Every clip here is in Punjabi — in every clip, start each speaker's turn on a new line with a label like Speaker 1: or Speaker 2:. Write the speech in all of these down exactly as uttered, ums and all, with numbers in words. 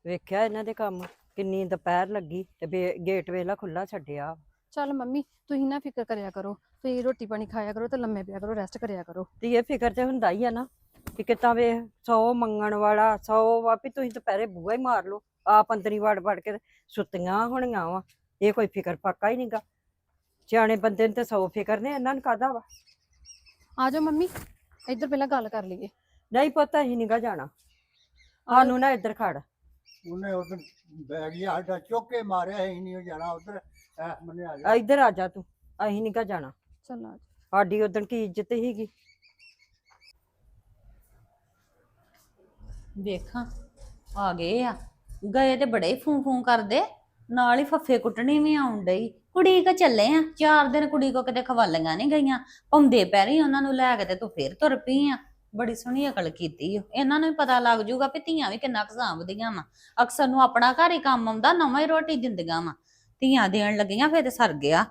Speaker 1: ਵੇਖਿਆ ਇਹਨਾਂ ਦੇ ਕੰਮ ਕਿੰਨੀ ਦੁਪਹਿਰ ਲੱਗੀ ਤੇ ਬੇ- ਗੇਟ ਵੇਲਾ ਖੁੱਲਾ ਛੱਡਿਆ।
Speaker 2: ਚੱਲ ਮੰਮੀ ਤੁਸੀਂ ਨਾ ਫਿਕਰ ਕਰਿਆ ਕਰੋ, ਤੁਸੀਂ ਰੋਟੀ ਪਾਣੀ ਖਾਇਆ ਕਰੋ ਤੇ ਲੰਮੇ ਪਿਆ ਕਰੋ, ਰੈਸਟ ਕਰਿਆ ਕਰੋ।
Speaker 1: ਤੇ ਇਹ ਫਿਕਰ ਤੇ ਹੁੰਦਾ ਹੀ ਆ ਨਾ ਕਿ ਕਿਤਾ ਵੇ ਸੌ ਮੰਗਣ ਵਾਲਾ ਸੌ ਵਾ ਵੀ ਤੁਸੀਂ ਦੁਪਹਿਰੇ ਬੂਹਾ ਹੀ ਮਾਰ ਲਓ, ਆਪ ਅੰਦਰੀ ਵੜ ਵੜ ਕੇ ਸੁੱਤੀਆਂ ਹੋਣੀਆਂ ਵਾ। ਇਹ ਕੋਈ ਫਿਕਰ ਫਾਕਾ ਹੀ ਨਹੀਂਗਾ। ਸਿਆਣੇ ਬੰਦੇ ਨੂੰ ਤੇ ਸੌ ਫਿਕਰ ਨੇ, ਇਹਨਾਂ ਨੂੰ ਕਾਹਦਾ ਵਾ।
Speaker 2: ਆ ਜਾਓ ਮੰਮੀ, ਇੱਧਰ ਪਹਿਲਾਂ ਗੱਲ ਕਰ ਲਈਏ।
Speaker 1: ਨਹੀਂ ਪਤਾ ਹੀ ਨਹੀਂਗਾ ਜਾਣਾ, ਸਾਨੂੰ ਨਾ ਇੱਧਰ ਖੜ।
Speaker 3: ਉਹਨੇ ਉਧਰ ਬੈਗ ਹੀ ਸਾਡਾ ਚੁੱਕ ਕੇ ਮਾਰਿਆ ਹੀ ਨਹੀਂ ਜਾਣਾ ਉਧਰ ਐ ਮੰਨੇ ਆ ਜਾ।
Speaker 1: ਇੱਧਰ ਆ ਜਾ ਤੂੰ, ਅਸੀਂ ਨਹੀਂਗਾ ਜਾਣਾ।
Speaker 2: ਚੱਲ ਆ ਜਾਓ।
Speaker 1: ਸਾਡੀ ਉਦਣ ਕੀ ਇੱਜ਼ਤ ਹੀਗੀ।
Speaker 4: ਵੇਖਾਂ ਆ ਗਏ ਆ, ਗਏ ਤੇ ਬੜੇ ਫੂੰ ਫੂੰ ਕਰਦੇ, ਨਾਲ ਹੀ ਫੱਫੇ ਕੁੱਟਣੀ ਵੀ ਆਉਣ ਡਈ। ਕੁੜੀ ਕੋ ਚੱਲੇ ਆ, ਚਾਰ ਦਿਨ ਕੁੜੀ ਕੋ ਕਿਤੇ ਖਵਾਲੀਆਂ ਨਹੀਂ ਗਈਆਂ, ਪਾਉਂਦੇ ਪੈਰੀ ਉਹਨਾਂ ਨੂੰ ਲੈ ਕੇ ਤੇ ਤੂੰ ਫੇਰ ਤੁਰ ਪਈ ਆ। ਬੜੀ ਸੋਹਣੀ ਅਕਲ ਕੀਤੀ ਓ। ਇਹਨਾਂ ਨੂੰ ਵੀ ਪਤਾ ਲੱਗ ਜੂਗਾ ਵੀ ਧੀਆਂ ਵੀ ਕਿੰਨਾ ਕੁ ਸਾਂਭਦੀਆਂ ਵਾ। ਅਕਸਰ ਨੂੰ ਆਪਣਾ ਘਰ ਹੀ ਕੰਮ ਆਉਂਦਾ, ਨਵਾਂ ਹੀ ਰੋਟੀ ਦਿੰਦੀਆਂ ਵਾ। ਧੀਆਂ ਦੇਣ ਲੱਗੀਆਂ ਫੇਰ ਤੇ ਸਰ ਗਿਆ।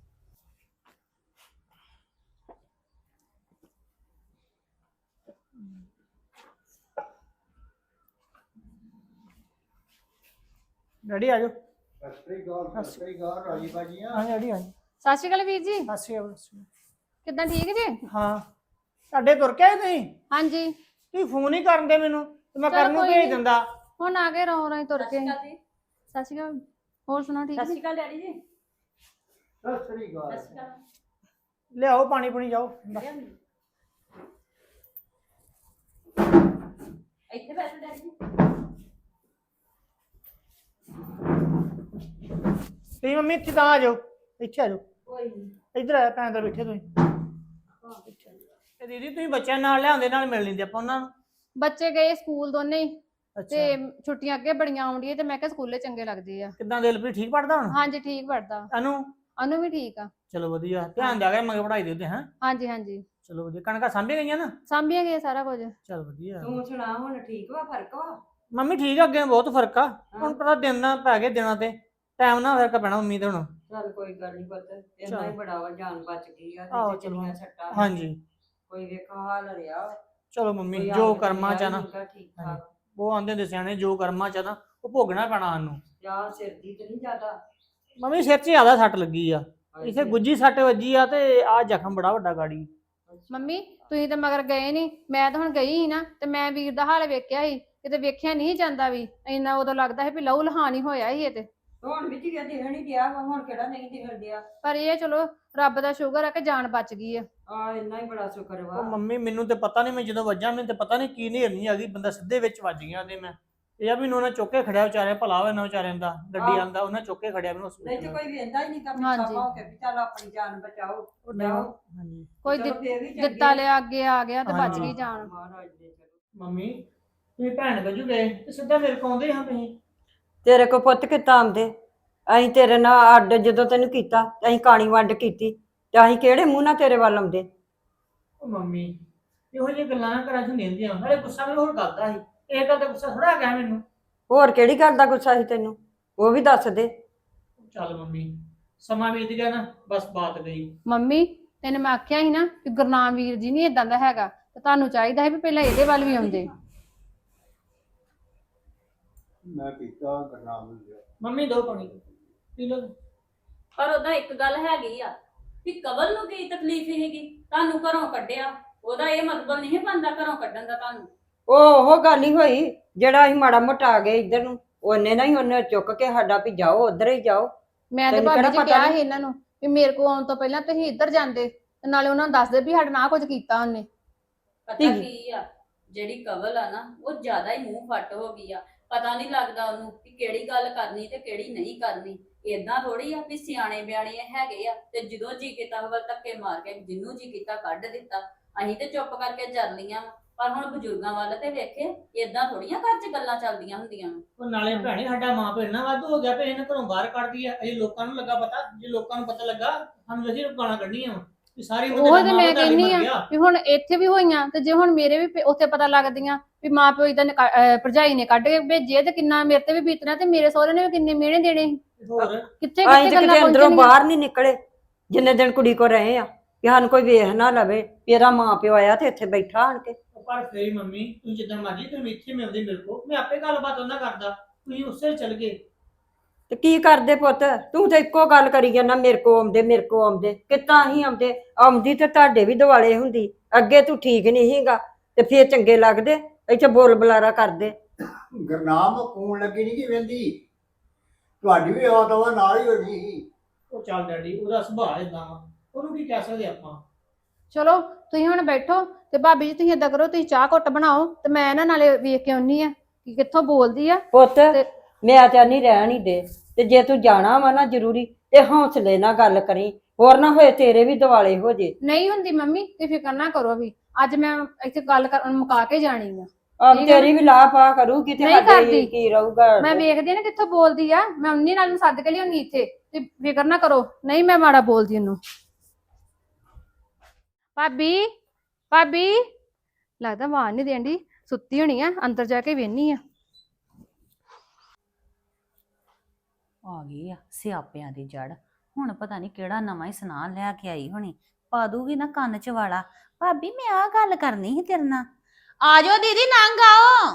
Speaker 5: ਡੈਡੀ ਆ ਜਾਓ।
Speaker 3: ਸਸਰੀ ਗਾਲ ਸਸਰੀ ਗਾਲ ਰਾਜੀ ਬਾਜੀਆਂ।
Speaker 5: ਹਾਂ ਡੈਡੀ ਆ ਜਾਓ।
Speaker 2: ਸਤਿ ਸ਼੍ਰੀ ਅਕਾਲ ਵੀਰ ਜੀ।
Speaker 5: ਸਤਿ ਸ਼੍ਰੀ ਅਕਾਲ।
Speaker 2: ਕਿੱਦਾਂ, ਠੀਕ ਜੀ?
Speaker 5: ਹਾਂ ਤੁਹਾਡੇ ਤੁਰ ਕੇ ਆਏ ਤੁਸੀਂ?
Speaker 2: ਹਾਂਜੀ।
Speaker 5: ਤੁਸੀਂ ਫੋਨ ਹੀ ਕਰਨ ਦੇ ਮੈਨੂੰ ਤੇ ਮੈਂ
Speaker 2: ਚਲੋ
Speaker 5: ਕਰਨ ਨੂੰ
Speaker 2: ਕੋਈ
Speaker 5: ਭੇਜ
Speaker 2: ਨੀ।
Speaker 5: ਦਿੰਦਾ।
Speaker 2: ਹੁਣ ਆ ਗਏ ਰੋ ਰੋ ਤੁਰ ਕੇ। ਸਤਿ ਸ਼੍ਰੀ ਅਕਾਲ। ਹੋਰ ਸੁਣਾਓ, ਠੀਕ ਜੀ?
Speaker 4: ਡੈਡੀ ਜੀ।
Speaker 3: ਸਸਰੀ ਗਾਲ
Speaker 5: ਲਿਆਓ ਪਾਣੀ ਪੁਣੀ ਜਾਓ।
Speaker 4: ਇੱਥੇ ਬੈਠੋ ਡੈਡੀ ਜੀ।
Speaker 5: ਤੁਸੀਂ ਮੰਮੀ ਇੱਥੇ ਤਾਂ ਆ ਜਾਓ, ਇੱਥੇ ਆ ਜਾਓ।
Speaker 4: ਕੋਈ ਨਹੀਂ।
Speaker 5: ਇੱਧਰ ਆ, ਭੈਣ ਦਾ ਬੈਠੇ ਤੁਸੀਂ। ਤੇ ਦੀਦੀ ਤੁਸੀਂ ਬੱਚਿਆਂ ਨਾਲ ਲਿਆਉਂਦੇ, ਨਾਲ ਮਿਲ ਲੈਂਦੇ ਆਪਾਂ ਉਹਨਾਂ ਨੂੰ।
Speaker 2: ਬੱਚੇ ਗਏ ਸਕੂਲ ਦੋਨੇ ਹੀ,
Speaker 5: ਅੱਛਾ
Speaker 2: ਤੇ ਛੁੱਟੀਆਂ ਅੱਗੇ ਬੜੀਆਂ ਆਉਂਦੀਆਂ ਤੇ ਮੈਂ ਕਿਹਾ ਸਕੂਲੇ ਚੰਗੇ ਲੱਗਦੇ ਆ।
Speaker 5: ਕਿੱਦਾਂ ਦਿਲਪ੍ਰੀਤ ਠੀਕ ਪੜਦਾ ਹੁਣ?
Speaker 2: ਹਾਂਜੀ ਠੀਕ ਪੜਦਾ।
Speaker 5: ਅਨੂ?
Speaker 2: ਅਨੂ ਵੀ ਠੀਕ ਆ।
Speaker 5: ਚਲੋ ਵਧੀਆ, ਧਿਆਨ ਦਿਆ ਕਰ ਮਗੇ ਪੜਾਈ ਦੇ ਉੱਤੇ। ਹਾਂ
Speaker 2: ਹਾਂਜੀ ਹਾਂਜੀ,
Speaker 5: ਚਲੋ ਵਧੀਆ। ਕਣਕਾਂ ਸਾਂਭੀਆਂ ਗਈਆਂ ਨਾ?
Speaker 2: ਸਾਂਭੀਆਂ ਗਏ ਸਾਰਾ ਕੁਝ।
Speaker 5: ਚਲ ਵਧੀਆ।
Speaker 1: ਤੂੰ ਸੁਣਾ, ਹੁਣ ਠੀਕ ਵਾ, ਫਰਕ ਵਾ?
Speaker 5: ਮੰਮੀ ਠੀਕ ਆ, ਅੱਗੇ ਬਹੁਤ ਫਰਕ ਆ। ਹੁਣ ਪਤਾ ਦਿਨ ਨਾ ਪੈ ਗਏ, ਦਿਨਾਂ ਤੇ ਟਾਈਮ ਨਾ ਫਰਕ ਪੈਣਾ ਮੰਮੀ ਤੇ ਹੁਣ।
Speaker 1: ਚੱਲ ਕੋਈ ਗੱਲ ਨਹੀਂ ਪੁੱਤ, ਇੰਨਾ
Speaker 5: ਚੱਲ।
Speaker 1: ਹੀ ਬੜਾ ਵਾ, ਜਾਨ ਬਚ ਗਈ ਆ।
Speaker 5: ਆਹੋ
Speaker 1: ਨਹੀਂ ਤੇ
Speaker 5: ਚਲੋ।
Speaker 1: ਚੰਗੀਆਂ ਸੱਟਾਂ।
Speaker 5: ਹਾਂਜੀ
Speaker 1: ਕੋਈ ਵੇਖਾ ਹਾਲ ਰਿਹਾ।
Speaker 5: ਚਲੋ ਮੰਮੀ,
Speaker 1: ਕੋਈ
Speaker 5: ਜੋ
Speaker 1: ਹਾਲ
Speaker 5: ਕਰਮਾਂ ਚ ਆ ਨਾ,
Speaker 1: ਨੀਗਾ, ਠੀਕ ਠਾਕ।
Speaker 5: ਉਹ ਆਂਦੇ ਹੁੰਦੇ ਸਿਆਣੇ, ਜੋ ਕਰਮਾਂ ਚ ਆ ਨਾ ਉਹ ਭੋਗਣਾ ਪੈਣਾ ਸਾਨੂੰ।
Speaker 1: ਜਾਂ ਸਿਰ ਦੀ ਤੇ ਨਹੀਂ ਜ਼ਿਆਦਾ?
Speaker 5: ਮੰਮੀ ਸਿਰ 'ਚ ਜ਼ਿਆਦਾ ਸੱਟ ਲੱਗੀ ਆ, ਇਥੇ ਗੁੱਜੀ ਸੱਟ ਵੱਜੀ ਆ ਤੇ ਆ ਜ਼ਖਮ ਬੜਾ ਵੱਡਾ ਗਾੜੀ।
Speaker 2: ਮੰਮੀ ਤੁਸੀਂ ਤਾਂ ਮਗਰ ਗਏ ਨਹੀਂ, ਮੈਂ ਤਾਂ ਹੁਣ ਗਈ ਸੀ ਨਾ, ਤੇ ਮੈਂ ਵੀਰ ਦਾ ਹਾਲ ਵੇਖਿਆ ਸੀ, ਕਿਤੇ ਵੇਖਿਆ ਨਹੀਂ ਜਾਂਦਾ ਵੀ ਇੰਨਾ। ਉਦੋਂ ਲੱਗਦਾ ਸੀ ਵੀ ਲਹੂ ਲਹਾਨ ਹੋਇਆ ਸੀ ਇਹ ਤੇ।
Speaker 1: ਹੁਣ ਵੀ ਧੀਆ ਦਿਖਣ ਹੀ ਗਿਆ ਵਾ, ਹੁਣ ਕਿਹੜਾ ਨਹੀਂ ਦਿਖਣ ਡਿਆ।
Speaker 2: ਪਰ ਇਹ ਚਲੋ ਰੱਬ ਦਾ ਸ਼ੁਕਰ ਆ ਕਿ ਜਾਨ ਬਚ ਗਈ ਆ।
Speaker 1: ਆ ਇੰਨਾ ਹੀ ਬੜਾ ਸ਼ੁਕਰ
Speaker 5: ਉਹ
Speaker 1: ਵਾ।
Speaker 5: ਮੰਮੀ ਮੈਨੂੰ ਤੇ ਪਤਾ ਨਹੀਂ, ਮੈਂ ਜਦੋਂ ਵੱਜਾ ਮੈਨੂੰ ਤੇ ਪਤਾ ਨਹੀਂ ਕੀ ਨੇਰਨੀ ਆ ਗਈ, ਬੰਦਾ ਸਿੱਧੇ ਵਿੱਚ ਵੱਜ ਗਿਆ। ਤੇ ਮੈਂ ਇਹ ਆ ਵੀ ਉਹਨਾਂ ਚੁੱਕ ਕੇ ਖੜਿਆ, ਵਿਚਾਰੇ ਭਲਾ ਹੋਇਆ ਨਾ ਵਿਚਾਰਿਆਂ ਦਾ, ਗੱਡੀ ਆਂਦਾ ਉਹਨਾਂ ਚੁੱਕ ਕੇ ਖੜਿਆ ਮੈਨੂੰ
Speaker 1: ਨਹੀਂ ਤੇ
Speaker 5: ਹਸਪੀਟਲ।
Speaker 1: ਕੋਈ ਵੇਂਦਾ ਹੀ ਨਹੀਂ ਕੰਮ
Speaker 2: ਹਾਂਜੀ।
Speaker 1: ਹੋ ਕੇ ਵੀ ਚੱਲ ਆਪਣੀ ਜਾਨ ਬਚਾਓ।
Speaker 5: ਉਹ ਨਹੀਂ
Speaker 1: ਜਾਓ।
Speaker 5: ਹਾਂਜੀ
Speaker 2: ਕੋਈ
Speaker 1: ਚਲੋ
Speaker 2: ਦਿੱਤ-
Speaker 1: ਫੇਰ ਵੀ ਚੰਗੀ
Speaker 2: ਦਿੱਤਾ ਲਿਆ ਅੱਗੇ ਆ ਗਿਆ ਤੇ ਬਚ
Speaker 5: ਹਾਂਜੀ।
Speaker 2: ਗਈ ਜਾਨ।
Speaker 1: ਮਹਾਰਾਜ ਦੇ ਚਲੋ।
Speaker 5: ਮੰਮੀ ਤੁਸੀਂ ਭੈਣ ਵਜੂ ਗਏ ਤੇ ਸਿੱਧਾ ਮੇਰੇ ਕੋਲ ਆਉਂਦੇ ਹਾਂ ਤੁਸੀਂ।
Speaker 1: ਤੇਰੇ ਕੋ ਪੁੱਤ ਕਿੱਦਾਂ ਆਉਂਦੇ? ਅਸੀਂ ਤੇਰੇ ਨਾਲ ਅੱਡ ਜਦੋਂ ਤੈਨੂੰ ਕੀਤਾ, ਅਸੀਂ ਕਾਣੀ ਵੰਡ ਕੀਤੀ, ਤੇ ਅਸੀਂ ਕਿਹੜੇ ਮੂੰਹ ਨਾਲ ਤੇਰੇ ਵੱਲ ਆਉਂਦੇ?
Speaker 5: ਉਹ ਮੰਮੀ ਇਹੋ ਜਿਹੀਆਂ ਗੱਲਾਂ ਨਾ ਕਰਾਂ ਹੁੰਦੀਆਂ ਹੁੰਦੀਆਂ, ਨਾਲੇ ਗੁੱਸਾ ਮੈਨੂੰ ਹੋਰ ਕਰਦਾ ਸੀ। ਇਹ ਗੱਲ ਦਾ ਗੁੱਸਾ ਥੋੜਾ ਗਿਆ ਮੈਨੂੰ।
Speaker 1: ਹੋਰ ਕਿਹੜੀ ਗੱਲ ਦਾ ਗੁੱਸਾ ਸੀ ਤੈਨੂੰ, ਉਹ ਵੀ ਦੱਸ ਦੇ।
Speaker 5: ਚੱਲ ਮੰਮੀ ਸਮਾਂ ਬੀਤ ਗਿਆ ਨਾ, ਬਸ ਬਾਤ ਗਈ।
Speaker 2: ਮੰਮੀ ਤੈਨੂੰ ਮੈਂ ਆਖਿਆ ਸੀ ਨਾ ਕਿ ਗੁਰਨਾਮ ਵੀਰ ਜੀ ਨਹੀਂ ਇਦਾਂ ਦਾ ਹੈਗਾ, ਤੇ ਤੁਹਾਨੂੰ ਚਾਹੀਦਾ ਹੈ ਵੀ ਪਹਿਲਾਂ ਇਹਦੇ ਵੱਲ ਵੀ ਆਉਂਦੇ।
Speaker 3: ਮੈਂ ਪੀਤਾ ਗਰਨਾਮ ਨੂੰ ਲਿਆ।
Speaker 5: ਮੰਮੀ ਦੋ ਪਾਣੀ ਪੀ ਲਓ।
Speaker 4: ਪਰ ਉਹਦਾ ਇੱਕ ਗੱਲ ਹੈਗੀ ਆ ਵੀ ਕਵਲ ਨੂੰ ਕੀ ਤਕਲੀਫ ਹੈਗੀ, ਤੁਹਾਨੂੰ ਘਰੋਂ ਕੱਢਿਆ, ਉਹਦਾ ਇਹ ਮਤਲਬ ਨਹੀਂ ਬਣਦਾ ਘਰੋਂ ਕੱਢਣ ਦਾ ਤੁਹਾਨੂੰ।
Speaker 1: ਉਹ ਉਹ ਗੱਲ ਹੀ ਹੋਈ, ਜਿਹੜਾ ਅਸੀਂ ਮਾੜਾ ਮੋਟਾ ਆ ਗਏ ਇੱਧਰ ਨੂੰ, ਉਹਨੇ ਨਾ ਹੀ ਉਹਨੇ ਚੁੱਕ ਕੇ ਸਾਡਾ ਵੀ ਜਾਓ ਉਧਰ ਹੀ ਜਾਓ।
Speaker 2: ਮੈਂ ਤੇ
Speaker 1: ਤੈਨੂੰ
Speaker 2: ਭਾਬੀ
Speaker 1: ਕਿਹੜਾ
Speaker 2: ਜੀ
Speaker 1: ਪਤਾ
Speaker 2: ਕਿਹਾ
Speaker 1: ਨੀ?
Speaker 2: ਸੀ ਇਹਨਾਂ ਨੂੰ ਵੀ ਮੇਰੇ ਕੋਲ ਆਉਣ ਤੋਂ ਪਹਿਲਾਂ ਤੁਸੀਂ ਇੱਧਰ ਜਾਂਦੇ, ਤੇ ਨਾਲੇ ਉਹਨਾਂ ਨੂੰ ਦੱਸਦੇ ਵੀ ਸਾਡੇ ਨਾਲ ਆਹ ਕੁਝ ਕੀਤਾ ਉਹਨੇ।
Speaker 4: ਪਤਾ
Speaker 1: ਠੀਕ।
Speaker 4: ਕੀ ਆ, ਜਿਹੜੀ ਕਵਲ ਆ ਨਾ ਉਹ ਜ਼ਿਆਦਾ ਹੀ ਮੂੰਹ ਫੱਟ ਹੋ ਗਈ ਆ। ਪਤਾ ਨਹੀਂ ਲੱਗਦਾ ਉਹਨੂੰ ਕਿ ਕਿਹੜੀ ਗੱਲ ਕਰਨੀ ਤੇ ਕਿਹੜੀ ਨਹੀਂ ਕਰਨੀ। ਏਦਾਂ ਥੋੜੀ ਆ ਵੀ ਸਿਆਣੇ ਬਿਆਣੇ ਹੈਗੇ ਆ ਤੇ ਜਦੋਂ ਜੀ ਕੀਤਾ ਵੱਲ ਧੱਕੇ ਮਾਰ ਕੇ ਜਿੰਨੂੰ ਜੀ ਕੀਤਾ ਕੱਢ ਦਿੱਤਾ। ਅਸੀਂ ਤੇ ਚੁੱਪ ਕਰਕੇ ਜਰ ਲੀਆਂ, ਪਰ ਹੁਣ ਬਜ਼ੁਰਗਾਂ ਵੱਲ ਤੇ ਵੇਖੇ, ਏਦਾਂ ਥੋੜੀਆਂ ਘਰ 'ਚ ਗੱਲਾਂ ਚੱਲਦੀਆਂ ਹੁੰਦੀਆਂ।
Speaker 5: ਉਹ ਨਾਲੇ ਭੈਣੇ ਸਾਡਾ ਮਾਂ ਪਿਓ ਇੰਨਾ ਵਾਧੂ ਹੋ ਗਿਆ ਵੀ ਇਹਨੇ ਘਰੋਂ ਬਾਹਰ ਕੱਢਦੀ ਆ। ਅਜੇ ਲੋਕਾਂ ਨੂੰ ਲੱਗਾ ਪਤਾ, ਜੇ ਲੋਕਾਂ ਨੂੰ ਪਤਾ ਲੱਗਾ ਸਾਨੂੰ ਅਸੀਂ ਗਾਲਾਂ ਕੱਢਣੀਆਂ ਵਾ ਵੀ ਸਾਰੀ ਉਮਰ
Speaker 2: ਉਹ
Speaker 5: ਤੇਰਾ
Speaker 2: ਤੇ
Speaker 5: ਮਾਂ
Speaker 2: ਮੈਂ
Speaker 5: ਪਿਓ ਤੁਹਾਡੇ
Speaker 2: ਕਹਿੰਦੀ
Speaker 5: ਮਰ
Speaker 2: ਆ
Speaker 5: ਗਿਆ।
Speaker 2: ਵੀ ਹੁਣ ਇੱਥੇ ਵੀ ਹੋਈਆਂ, ਤੇ ਜੇ ਹੁਣ ਮੇਰੇ ਵੀ ਪ- ਉੱਥੇ ਪਤਾ ਲੱਗਦੀਆਂ ਵੀ ਮਾਂ ਪਿਓ ਇਦਾਂ ਭਰਜਾਈ ਨੇ ਕੱਢ ਕੇ ਭੇਜੇ, ਤੇ ਕਿੰਨਾ ਮੇਰੇ ਤੇ ਵੀ ਬੀਤਣਾ, ਤੇ ਮੇਰੇ ਸਹੁਰੇ ਨੇ ਵੀ ਕਿੰਨੇ ਮਿਹਣੇ ਦੇਣੇ ਸੀ।
Speaker 5: ਹੋਰ
Speaker 2: ਕਿੱਥੇ
Speaker 1: ਅਸੀਂ
Speaker 2: ਕਿੱਥੇ
Speaker 1: ਤੇ
Speaker 2: ਗੱਲਾਂ
Speaker 1: ਕਿਤੇ ਅੰਦਰੋਂ
Speaker 2: ਪਹੁੰਚਣੀਆਂ।
Speaker 1: ਬਾਹਰ ਨਹੀਂ ਨਿਕਲੇ ਜਿੰਨੇ ਦਿਨ ਕੁੜੀ ਕੋ ਰਹੇ ਆ, ਕਿ ਸਾਨੂੰ ਕੋਈ ਵੇਖ ਨਾ ਲਵੇ ਵੀ ਇਹਦਾ ਮਾਂ ਪਿਓ ਆਇਆ ਤੇ ਇੱਥੇ ਬੈਠਾ ਆਣ ਕੇ।
Speaker 5: ਪਰ ਫੇਰ ਮੰਮੀ ਤੁਸੀਂ ਜਿੱਦਾਂ ਮਰਜੀ ਤੁਸੀਂ ਇੱਥੇ ਮਿਲਦੇ ਮੇਰੇ ਕੋਲ, ਮੈਂ ਆਪੇ ਗੱਲਬਾਤ ਉਹਨਾਂ ਕਰਦਾ। ਤੁਸੀਂ ਉਸੇ ਚਲ ਗਏ।
Speaker 1: ਤੇ ਕੀ ਕਰਦੇ ਪੁੱਤ, ਤੂੰ ਤੇ ਇੱਕੋ ਗੱਲ ਕਰੀ ਜਾਂਦਾ, ਮੇਰੇ ਕੋ ਆਉਂਦੇ ਮੇਰੇ ਕੋ ਆਉਂਦੇ, ਕਿੱਦਾਂ ਹੀ ਆਉਂਦੇ, ਆਉਂਦੀ ਤੇ ਤੁਹਾਡੇ ਵੀ ਦਿਵਾਲੇ ਹੁੰਦੀ। ਅੱਗੇ ਤੂੰ ਠੀਕ ਨਹੀਂ ਸੀਗਾ ਤੇ ਫੇਰ ਚੰਗੇ ਲੱਗਦੇ, ਇੱਥੇ ਬੋਲ ਬੁਲਾਰਾ ਕਰਦੇ।
Speaker 3: ਗੁਰਨਾਮ ਕੂਣ ਲੱਗੀ ਨਹੀਂ ਕਿ ਵੰਦੀ ਤੁਹਾਡੀ ਵੀ ਆਵਾ ਤਵਾ ਨਾਲ ਹੀ ਹੋਣੀ ਸੀ।
Speaker 5: ਉਹ ਚੱਲ ਡੈਡੀ, ਉਹਦਾ ਸੁਭਾਅ ਇਦਾਂ ਵਾ, ਉਹਨੂੰ ਕੀ ਕਹਿ ਸਕਦੇ ਆਪਾਂ।
Speaker 2: ਚਲੋ ਤੁਸੀਂ ਹੁਣ ਬੈਠੋ ਤੇ ਭਾਬੀ ਜੀ ਤੁਸੀਂ ਏਦਾਂ ਕਰੋ, ਤੁਸੀਂ ਚਾਹ ਘੁੱਟ ਬਣਾਓ ਤੇ ਮੈਂ ਇਹਨਾਂ ਨਾਲੇ ਵੇਖ ਕੇ ਆਉਣੀ ਆ ਕਿ ਕਿੱਥੋਂ ਬੋਲਦੀ ਆ।
Speaker 1: ਪੁੱਤ
Speaker 2: ਤੇ-
Speaker 1: ਮੈਂ ਤਾਂ ਨਹੀਂ ਰਹਿਣ ਹੀ ਦੇ, ਤੇ ਜੇ ਤੂੰ ਜਾਣਾ ਵਾ ਨਾ ਜ਼ਰੂਰੀ, ਤੇ ਹੌਸਲੇ ਨਾਲ ਗੱਲ ਕਰੀ, ਹੋਰ ਨਾ ਹੋਏ ਤੇਰੇ ਵੀ ਦਿਵਾਲੇ ਹੋ ਜੇ।
Speaker 2: ਨਹੀਂ ਹੁੰਦੀ ਮੰਮੀ, ਤੇ ਫਿਕਰ ਨਾ ਕਰੋ ਵੀ, ਅੱਜ ਮੈਂ ਇੱਥੇ ਗੱਲ ਕਰ ਮੁਕਾ ਕੇ ਜਾਣੀ ਆ।
Speaker 1: ਆਪ
Speaker 2: ਠੀਕ ਆ।
Speaker 1: ਤੇਰੀ ਵੀ ਲਾਹ ਪਾ ਕਰੂਗੀ ਤੇ
Speaker 2: ਨਹੀਂ
Speaker 1: ਸਾਡੇ
Speaker 2: ਕਰਦੀ।
Speaker 1: ਕੀ ਰਹੂਗਾ।
Speaker 2: ਮੈਂ ਵੇਖਦੀ ਆ ਨਾ ਕਿੱਥੋਂ ਬੋਲਦੀ ਆ, ਮੈਂ ਉਨੀ ਨਾਲ ਨੂੰ ਸੱਦ ਕੇ ਲਿਆਉਣੀ ਇੱਥੇ, ਤੇ ਫਿਕਰ ਨਾ ਕਰੋ, ਨਹੀਂ ਮੈਂ ਮਾੜਾ ਬੋਲਦੀ ਉਹਨੂੰ। ਭਾਬੀ ਭਾਬੀ ਲੱਗਦਾ ਆਵਾਜ਼ ਨਹੀਂ ਦੇਣ ਦੀ, ਸੁੱਤੀ ਹੋਣੀ ਆ, ਅੰਦਰ ਜਾ ਕੇ ਵੇਹਨੀ ਆ।
Speaker 4: ਆ ਗਈ ਆ ਸਿਆਪਿਆਂ ਦੀ ਜੜ। ਹੁਣ ਪਤਾ ਨਹੀਂ ਕਿਹੜਾ ਨਵਾਂ ਹੀ ਸੁਨਾਹ ਲੈ ਕੇ ਆਈ ਹੋਣੀ, ਪਾ ਦੂਗੀ ਨਾ ਕੰਨ ਚ ਵਾਲਾ। ਭਾਬੀ ਮੈਂ ਆ ਗੱਲ ਕਰਨੀ ਸੀ ਤੇਰੇ ਨਾਲ। ਆ ਜਾਓ ਦੀਦੀ, ਨੰਗ ਆਓ।